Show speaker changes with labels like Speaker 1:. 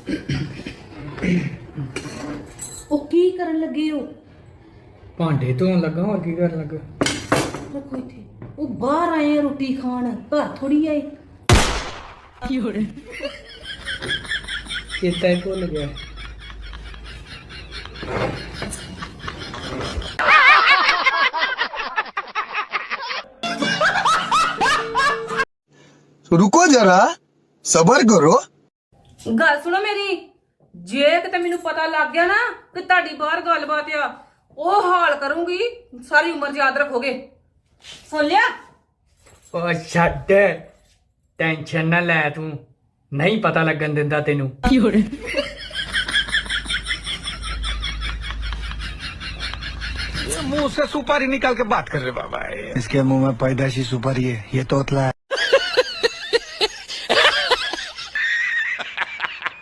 Speaker 1: ओ की करन लगे हो?
Speaker 2: भांडे धोन लगा और की करन लगा।
Speaker 1: रखो इथे। ओ बाहर आए हैं रोटी खान, घर थोड़ी आए।
Speaker 2: चेता ही भुल गया।
Speaker 3: रुको जरा, सबर करो।
Speaker 1: गल सुनो मेरी, जे किते मैनू पता लग गया ना कि ਤੁਹਾਡੀ ਬਾਹਰ ਗੱਲਬਾत ਆ, ਉਹ ਹਾਲ ਕਰੂੰਗੀ ਸਾਰੀ ਉਮਰ याद रखोगे। सुन लिया?
Speaker 2: ओ छड्ड, टेंशन ना ले तू, नहीं पता लगन दिंदा तेनू।
Speaker 3: मुंह से सुपारी निकाल के बात कर रहे बाबा। इसके मुंह में पैदाशी सुपारी है, ये तोतला है।